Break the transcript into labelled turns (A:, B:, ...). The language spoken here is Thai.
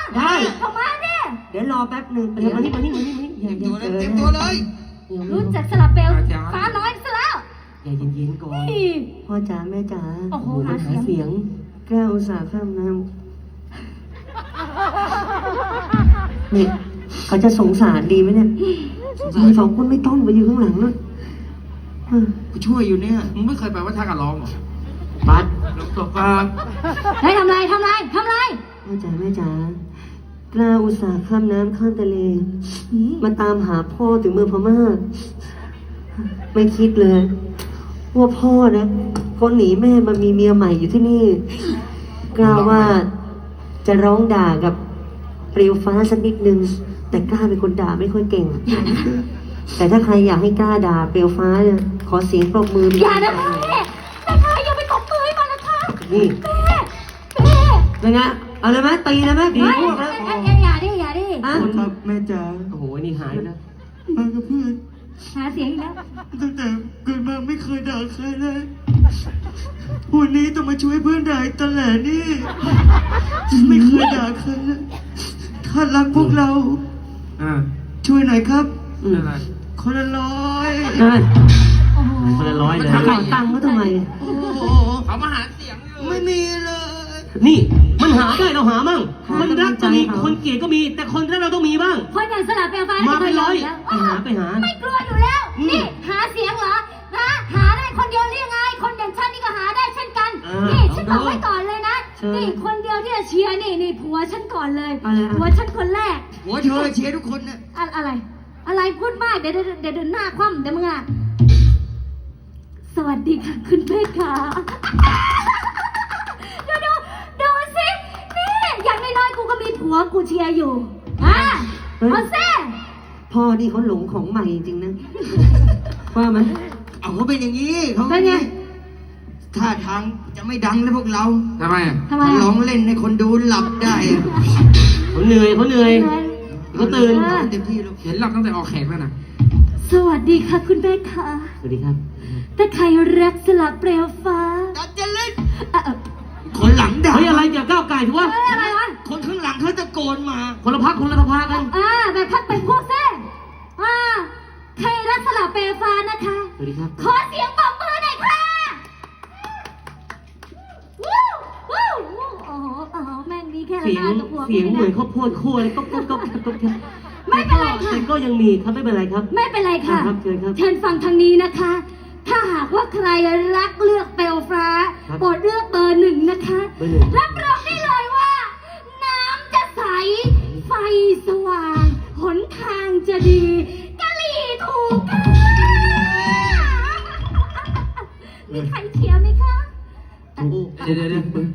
A: ได้
B: เข้ามาเนี่ย
A: เดี๋ยวรอแป๊บหนึ่งเดี๋ยวมานี่อย่า
C: ตัวเลย
A: เจอ
C: เต็มตัวเลย
B: รู้จักสลับเปลวฟ้าน้อยซะแล้ว
A: อย่าเย็นๆก่อน
B: นี่
A: พ่อจ๋าแม่จ๋า
B: โอ้โห
A: มัน
B: หาเสียง
A: แก้วอุตส่าห์ข้ามน้ำนี่เขาจะสงสารดีไหมเนี่ยมึงสองคนไม่ต้องไปอยู่ข้างหลังเลยเออ
C: กูช่วยอยู่เนี่ยมึงไม่เคยไปวัดท่ากันร้องเหรอ
A: ปัด
C: ลงตก
B: เฮ้ยทำไร
A: พ่อจ๋าแม่จ๋ากล้าอุตส่าห์ข้ามน้ำข้ามทะเล มาตามหาพ่อถึงเมืองพม่า ไม่คิดเลย ว่าพ่อนะก็หนีแม่มามีเมียใหม่อยู่ที่นี่ กล้าว่าจะร้องด่ากับเปลวฟ้าสักนิดนึง แต่กล้าเป็นคนด่าไม่ค่อยเก่ง แต่ถ้าใครอยากให้กล้าด่าเปลวฟ้าเนี่ยขอเสียงปรบมือ
B: อย่านะแม่อย่าไปตบมือให้มันนะคะ
A: นี่
B: แม่
A: เป็นไงเอาเลยไหมตีเลยไหมดี
B: เฮ้ย
A: พวกแล้ว
B: อย่าดิ
A: อ่ะ
C: ขอโทษครับแม่จ๋า
A: โอ้โหนี่หายแล้ว
C: มากับเพื่อน
B: หาเสียงอีกแล้ว
C: ตั้งแต่เกิดมาไม่เคยด่าใครเลยวันนี้ต้องมาช่วยเพื่อนด่าอีกตลอดนี่ไม่เคยด่าใครเลยถ้ารักพวกเราช่วยหน่อยครับ
A: อะไร
C: คนละร้อย
A: นั่น
B: โอ้โห
A: คนละร้อยเลยขอตังค์เขาทำไม
C: โอ้โห
D: เขามาหาเสียงอยู่
C: ไม่มีเลย
A: นี่มันหาได้เราหามั่งคนรักก็มีคนเกลียดก็มี แต่คนรักเราต้องมีบ้าง
B: คนอย่างสลับเปลวฟ้า
A: มาเป็นร้อย
B: แล้ว
A: ไปหา
B: ไม่กลัวอยู่แล้ว นี่หาเสียงเหรอหาได้คนเดียวหรือยังไง คนอย่างฉันนี่ก็หาได้เช่นกัน นี่ฉันบอกไว้ก่อนเลยนะ นี่คนเดียวที่จะเชียร์นี่ผัวฉันก่อนเลย ผัวฉันคนแรก
C: หัวเธอเชียร์ทุกคนเนี่ย
B: อะไรพูดมากเดี๋ยวหน้าคว่ำเดี๋ยวมึงอ่ะสวัสดีค่ะคุณเพชรค่ะดูสินี่อย่างน้อยๆกูก็มีผัวกูเชียร์อยู่เอาเซ่
A: พ่อนี่เขาหลงของใหม่จริงๆนะว่ามัน
C: เอาเขาเป็นอย่างนี้เขา
B: เป็นไง
C: ท่าทางจะไม่ดังแล้วพวกเรา
D: ทำไมอ่ะ
B: ทำไม
C: ร้
B: อ่ะ
C: องเล่นให้คนดูหลับได้อะ
A: เขาเหนื่อยเขาตื่น
C: เอาเต็มที่ลูก
D: เห็นหลับตั้งแต่ออกแขกแล้วนะ
B: สวัสดีค่ะคุณเพชรค่ะ
A: สวัสดีครับ
B: ถ้าใครรักสลับเปลวฟ้า
C: ดันจะเล่น
B: เอ่อ
C: คนหลังด่า
A: เฮ้ยอะไรอย่าก้าวไก่ถือว่า
B: อะไรวะ
C: คนข้างหลังเขาตะโกนมา
A: คนละพักคนละสภากัน
B: แบบพักเป็นพวกเซ่ใครรักสลับเปลวฟ้านะคะ
A: สวัสดีครับ
B: ขอเสียงปรบมือหน่อยค่ะวู้วู้วู้โอ้โหแม่งมีแค่ละ
A: เสีย
B: หน้าง กับหัว
A: เสียงเหมือน
B: ไได้
A: ข้าวโพดคั่วเลยก็
B: ไม่เป็นไรค่ะ
A: แต่ก็ยังมีครับไม่เป็นไรครับ
B: ไม่เป็นไรค่ะ
A: ครับเชิญครับ
B: เชิญฟังทางนี้นะคะ ถ้าหากว่าใครรักเลือกเปลวฟ้า
A: ครับ
B: โปรดเลือกเบอร์หนึ่งนะคะ
A: เบอร์หนึ่ง
B: รับรองได้เลยว่า น้ำจะใส ไฟสว่าง หนทางจะดีกะหรี่ถูกค่ะมีใครเชียร์ไหมคะ
D: เดี๋ยว